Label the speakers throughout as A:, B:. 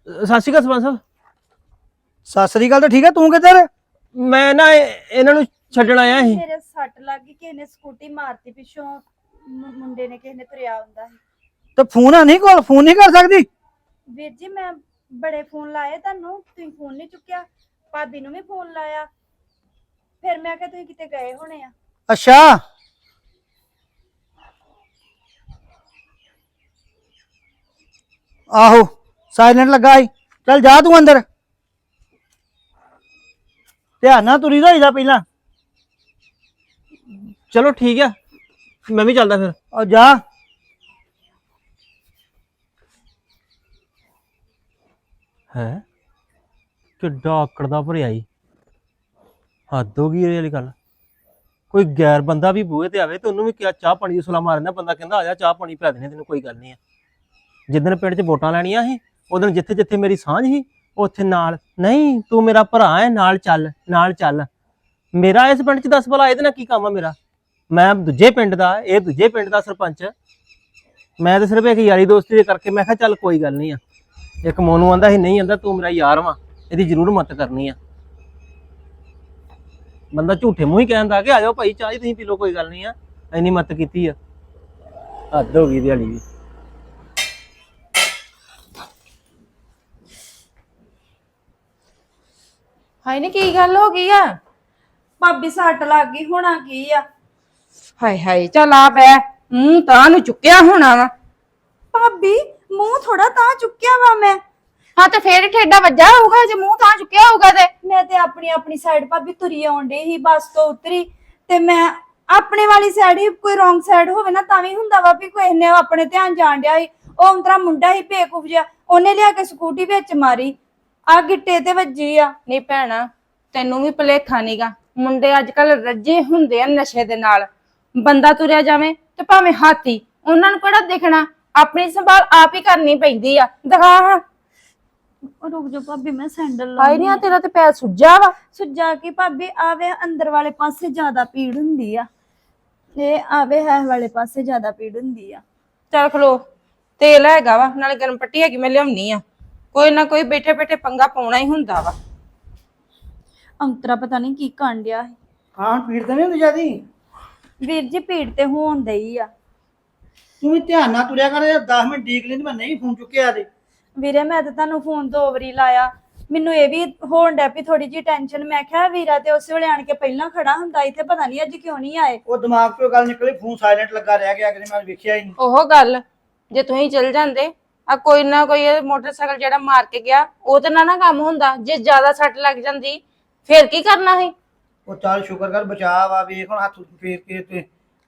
A: ਸਤਿ ਸ਼੍ਰੀ ਅਕਾਲ ਸਰਪੰਚ ਸਾਹਿਬ।
B: ਸਤਿ ਸ੍ਰੀ ਅਕਾਲ। ਤਾਂ ਠੀਕ ਹੈ, ਤੂੰ ਕਿੱਧਰ?
A: ਮੈਂ ਨਾ ਇਹਨਾਂ ਨੂੰ ਛੱਡਣ ਆਇਆ ਸੀ।
C: ਮੇਰੇ ਸੱਟ ਲੱਗ ਗਈ, ਕਿਸੇ ਨੇ ਸਕੂਟੀ ਮਾਰਤੀ ਪਿੱਛੋਂ, ਮੁੰਡੇ ਨੇ ਕਿਸੇ ਨੇ ਤੁਰਿਆ ਹੁੰਦਾ ਸੀ।
B: ਤੇ ਫੋਨ ਆ ਨਹੀਂ ਕੋਲ, ਫੋਨ ਨਹੀਂ ਕਰ ਸਕਦੀ?
C: ਵੀਰ ਜੀ ਮੈਂ ਬੜੇ ਫੋਨ ਲਾਏ ਤੁਹਾਨੂੰ, ਤੁਸੀਂ ਫੋਨ ਨਹੀਂ ਚੁੱਕਿਆ। ਭਾਬੀ ਨੂੰ ਵੀ ਫੋਨ ਲਾਇਆ, ਫਿਰ ਮੈਂ ਕਿਹਾ ਤੁਸੀਂ ਕਿਤੇ ਗਏ ਹੋਣੇ ਆ।
B: ਅੱਛਾ, ਆਹੋ ਸਾਇਲੈਂਟ ਲੱਗਾ ਈ। ਚੱਲ ਜਾ ਤੂੰ ਅੰਦਰ, ਧਿਆਨ ਨਾਲ ਤੁਰੀ ਦਾ ਪਹਿਲਾਂ।
A: ਚਲੋ ਠੀਕ ਆ, ਮੈਂ ਵੀ ਚੱਲਦਾ ਫਿਰ।
B: ਆ ਜਾ।
A: ਹੈ ਕਿੱਡਾ ਆਕੜਦਾ ਭਰਿਆ ਈ, ਹੱਦ ਹੋ ਗਈ ਇਹ ਵਾਲੀ ਗੱਲ। ਕੋਈ ਗੈਰ ਬੰਦਾ ਵੀ ਬੂਹੇ ਤੇ ਆਵੇ ਤੇ ਉਹਨੂੰ ਵੀ ਕਿਹਾ ਚਾਹ ਪਾਣੀ ਦੀ ਸੁਲਾ ਮਾਰਨਾ, ਬੰਦਾ ਕਹਿੰਦਾ ਆ ਜਾ ਚਾਹ ਪਾਣੀ ਪਿਲਾ ਦੇਣੇ ਤੈਨੂੰ, ਕੋਈ ਗੱਲ ਨਹੀਂ ਆ। ਜਿੱਦਣ ਪਿੰਡ 'ਚ ਵੋਟਾਂ ਲੈਣੀਆਂ ਸੀ ਉਦੋਂ ਜਿੱਥੇ ਜਿੱਥੇ ਮੇਰੀ ਸਾਂਝ ਸੀ ਉੱਥੇ ਨਾਲ, ਨਹੀਂ ਤੂੰ ਮੇਰਾ ਭਰਾ ਹੈ, ਨਾਲ ਚੱਲ ਨਾਲ ਚੱਲ। ਮੇਰਾ ਇਸ ਪਿੰਡ 'ਚ ਦੱਸ ਭਲਾ ਇਹਦੇ ਨਾਲ ਕੀ ਕੰਮ ਆ ਮੇਰਾ? ਮੈਂ ਦੂਜੇ ਪਿੰਡ ਦਾ, ਇਹ ਦੂਜੇ ਪਿੰਡ ਦਾ ਸਰਪੰਚ। ਮੈਂ ਤਾਂ ਸਿਰਫ ਇੱਕ ਯਾਰੀ ਦੋਸਤੀ ਦੇ ਕਰਕੇ ਮੈਂ ਕਿਹਾ ਚੱਲ ਕੋਈ ਗੱਲ ਨਹੀਂ ਆ। ਇੱਕ ਮੋਨੂ ਆਂਦਾ ਸੀ ਨਹੀਂ ਆਂਦਾ ਤੂੰ ਮੇਰਾ ਯਾਰ ਵਾ, ਇਹਦੀ ਜ਼ਰੂਰ ਮਦਦ ਕਰਨੀ ਆ। ਬੰਦਾ ਝੂਠੇ ਮੂੰਹ ਹੀ ਕਹਿੰਦਾ ਕਿ ਆ ਜਾਓ ਭਾਈ ਚਾਹ ਤੁਸੀਂ ਪੀ ਲਓ, ਕੋਈ ਗੱਲ ਨਹੀਂ ਆ, ਇੰਨੀ ਮਦਦ ਕੀਤੀ ਆ। ਹੱਦ ਹੋ ਗਈ ਦਿਹਾੜੀ ਵੀ।
D: ਹਾਏ ਨੀ ਕੀ ਗੱਲ ਹੋ ਗਈ ਆ?
C: ਭਾਬੀ ਸੱਟ ਲੱਗ ਗਈ, ਹੋਣਾ ਕੀ ਆ?
D: ਹਾਏ ਹਾਏ ਚੱਲ ਆ ਬੈ, ਮੂੰਹ ਤਾਂ ਨੂੰ ਚੁੱਕਿਆ ਹੋਣਾ ਵਾ।
C: ਭਾਬੀ ਮੂੰਹ ਥੋੜਾ ਤਾਂ ਚੁੱਕਿਆ ਵਾ ਮੈਂ।
D: ਹਾਂ ਤੇ ਫੇਰ ਠੇਡਾ ਵੱਜਾ ਹੋਊਗਾ ਜੇ ਮੂੰਹ ਤਾਂ ਚੁੱਕਿਆ ਹੋਊਗਾ ਤੇ।
C: ਮੈਂ ਤੇ ਆਪਣੀ ਸਾਈਡ ਭਾਬੀ ਤੁਰੀ ਆਉਣ ਡਈ ਸੀ, ਬੱਸ ਤੋਂ ਉਤਰੀ ਤੇ ਮੈਂ ਆਪਣੇ ਵਾਲੀ ਸਾਈਡ ਹੀ, ਕੋਈ ਰੋਂਗ ਸਾਈਡ ਹੋਵੇ ਨਾ ਤਾਂ ਵੀ ਹੁੰਦਾ ਵਾ ਵੀ ਕੋਈ ਨੇ ਆਪਣੇ ਧਿਆਨ ਜਾਣ ਡਿਆ ਸੀ। ਉਹ ਅੰਤਰਾ ਮੁੰਡਾ ਹੀ ਬੇਕੂਫ ਜਿਹਾ, ਉਹਨੇ ਲਿਆ ਕੇ ਸਕੂਟੀ ਵਿੱਚ ਮਾਰੀ, ਆ ਗਿੱਟੇ ਤੇ ਵੱਜੀ ਆ।
D: ਨਹੀਂ ਭੈਣਾ ਤੈਨੂੰ ਵੀ ਭੁਲੇਖਾ ਨੀਗਾ, ਮੁੰਡੇ ਅੱਜ ਕੱਲ ਰੱਜੇ ਹੁੰਦੇ ਆ ਨਸ਼ੇ ਦੇ ਨਾਲ। ਬੰਦਾ ਤੁਰਿਆ ਜਾਵੇ ਤੇ ਭਾਵੇਂ ਹਾਥੀ, ਉਹਨਾਂ ਨੂੰ ਕਿਹੜਾ ਦਿਖਣਾ, ਆਪਣੀ ਸੰਭਾਲ ਆਪ ਹੀ ਕਰਨੀ ਪੈਂਦੀ ਆ। ਦਿਖਾ
C: ਰੁਕ ਜਾ ਭਾਬੀ, ਮੈਂ ਸੈਂਡਲ
D: ਹਾਏ ਨੀ ਆ ਤੇਰਾ ਤੇ ਪੈਰ ਸੁੱਜਾ ਵਾ।
C: ਸੁੱਜਾ ਕੇ ਭਾਬੀ ਆਵੇ ਅੰਦਰ ਵਾਲੇ ਪਾਸੇ ਜ਼ਿਆਦਾ ਪੀੜ ਹੁੰਦੀ ਆ, ਇਹ ਆਵੇ ਹੈ ਵਾਲੇ ਪਾਸੇ ਜ਼ਿਆਦਾ ਪੀੜ ਹੁੰਦੀ ਆ।
D: ਚੱਲ ਖਲੋ, ਤੇਲ ਹੈਗਾ ਵਾ ਨਾਲੇ ਗਰਮ ਪੱਟੀ ਹੈਗੀ, ਮੈਂ ਲਿਆਉਣੀ ਆ। ਕੋਈ ਨਾ ਕੋਈ ਬੈਠੇ ਬੈਠੇ ਪੰਗਾ ਪਾਉਣਾ ਹੀ ਹੁੰਦਾ ਵਾ।
C: ਅੰਤਰਾ ਪਤਾ ਨਹੀਂ ਕੀ ਕਰਨ ਡਿਆ ਸੀ।
B: ਹਾਂ ਪੀੜ ਤਾਂ ਨਹੀਂ ਹੁੰਦੀ ਜਿਆਦੀ?
C: ਵੀਰ ਜੀ ਪੀੜ ਤੇ ਹੋਣ ਦਈ ਆ।
B: ਤੂੰ ਵੀ ਧਿਆਨ ਨਾਲ ਤੁਰਿਆ ਕਰ, 10 ਮਿੰਟ ਡੀਕ ਲੈਂਦੀ, ਮੈਂ ਨਹੀਂ ਫੋਨ ਚੁੱਕਿਆ ਤੇ।
C: ਵੀਰੇ ਮੈਂ ਤਾਂ ਤੁਹਾਨੂੰ ਫੋਨ 2 ਵਾਰੀ ਲਾਇਆ, ਮੈਨੂੰ ਇਹ ਵੀ ਹੋਣ ਡੈ ਪਈ ਥੋੜੀ ਜੀ ਟੈਨਸ਼ਨ। ਮੈਂ ਕਿਹਾ ਵੀਰਾ ਤੇ ਉਸੇ ਵੇਲੇ ਆਣ ਕੇ ਪਹਿਲਾਂ ਖੜਾ ਹੁੰਦਾ, ਇੱਥੇ ਪਤਾ ਨਹੀਂ ਅੱਜ ਕਿਉਂ ਨਹੀਂ ਆਏ।
B: ਉਹ ਦਿਮਾਗ ਤੋਂ ਗੱਲ ਨਿਕਲੀ, ਫੋਨ ਸਾਇਲੈਂਟ ਲੱਗਾ ਰਹਿ ਗਿਆ, ਕਿ ਮੈਂ ਵੇਖਿਆ ਹੀ ਨਹੀਂ।
D: ਉਹ ਗੱਲ ਜੇ ਤੁਸੀਂ ਚਲ ਜਾਂਦੇ ਆ ਕੋਈ ਨਾ ਕੋਈ ਮੋਟਰਸਾਈਕਲ ਜਿਹੜਾ ਮਾਰ ਕੇ ਗਿਆ, ਉਹ ਤੇ ਨਾ ਕੰਮ ਹੁੰਦਾ। ਜੇ ਜ਼ਿਆਦਾ ਸੱਟ ਲੱਗ ਜਾਂਦੀ ਫੇਰ ਕੀ ਕਰਨਾ ਸੀ?
B: ਉਹ ਚੱਲ ਸ਼ੁਕਰ ਕਰ ਬਚਾ ਵਾ, ਵੇਖ ਹੁਣ ਹੱਥ ਫੇਰ ਕੇ ਤੇ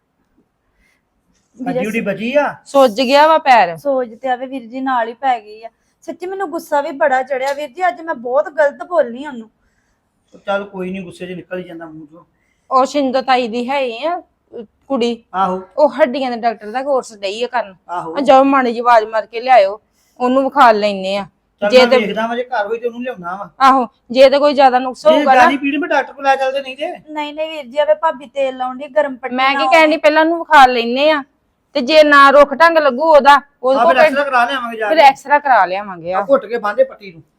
B: ਡਿਊਟੀ ਬਚੀ ਆ।
D: ਸੁੱਜ ਗਿਆ ਵਾ ਪੈਰ।
C: ਸੋਚ ਤੇ ਆਵੇ ਵੀਰ ਜੀ ਨਾਲ ਹੀ ਪੈ ਗਈ ਆ। ਸੱਚੀ ਮੈਨੂੰ ਗੁੱਸਾ ਵੀ ਬੜਾ ਚੜਿਆ ਵੀਰ ਜੀ, ਅੱਜ ਮੈਂ ਬਹੁਤ ਗਲਤ ਬੋਲਨੀ ਉਹਨੂੰ।
B: ਚੱਲ ਕੋਈ ਨਹੀਂ, ਗੁੱਸੇ 'ਚ ਨਿਕਲ ਹੀ ਜਾਂਦਾ ਮੂੰਹ ਚੋਂ।
D: ਉਹ ਸ਼ਿੰਦੋ ਤਾਈ ਦੀ ਹੈ ਆ ਕੁੜੀ,
B: ਆਹੋ
D: ਉਹ ਹੱਡੀਆਂ ਦੇ ਡਾਕਟਰ ਦਾ ਕੋਰਸ ਡਈ ਆ ਕਰਨ।
B: ਆਹੋ
D: ਜਾਓ ਮਾੜੀ ਜੀ ਆਵਾਜ਼ ਮਾਰ ਕੇ ਲਿਆਇਓ, ਉਹਨੂੰ ਵਿਖਾ ਲੈਨੇ ਆ।
B: ਜੇ ਤੇ ਵੇਖਦਾ ਵਾ, ਜੇ ਘਰ ਹੋਈ ਤੇ ਉਹਨੂੰ ਲਿਆਉਣਾ ਵਾ।
D: ਆਹੋ ਜੇ ਤੇ ਕੋਈ ਜ਼ਿਆਦਾ ਨੁਕਸ ਹੋਊਗਾ ਨਾ,
B: ਜਿਆਦੀ ਪੀੜ ਮੈਂ ਡਾਕਟਰ ਕੋਲ ਲੈ ਚੱਲਦੇ ਨਹੀਂ ਤੇ।
C: ਨਹੀਂ ਵੀਰ ਜੀ, ਆਵੇ ਭਾਬੀ ਤੇਲ ਲਾਉਂਦੀ ਗਰਮ ਪੱਟੀ।
D: ਮੈਂ ਕੀ ਕਹਿਣੀ, ਪਹਿਲਾਂ ਉਹਨੂੰ ਵਿਖਾ ਲੈਨੇ ਆ, ਤੇ ਜੇ ਨਾ ਰੁੱਖ ਢੰਗ ਲੱਗੂ ਉਹਦਾ, ਉਹਦੇ ਕੋਲ
B: ਐਕਸਰਾ ਕਰਾ ਲਿਆਵਾਂਗੇ ਜਾ
D: ਫਿਰ
B: ਕੇ।
D: ਐਕਸਰਾ ਕਰਾ ਲਿਆਵਾਂਗੇ। ਆ
B: ਘੁੱਟ ਕੇ ਬਾਂਦੇ ਪੱਟੀ ਨੂੰ।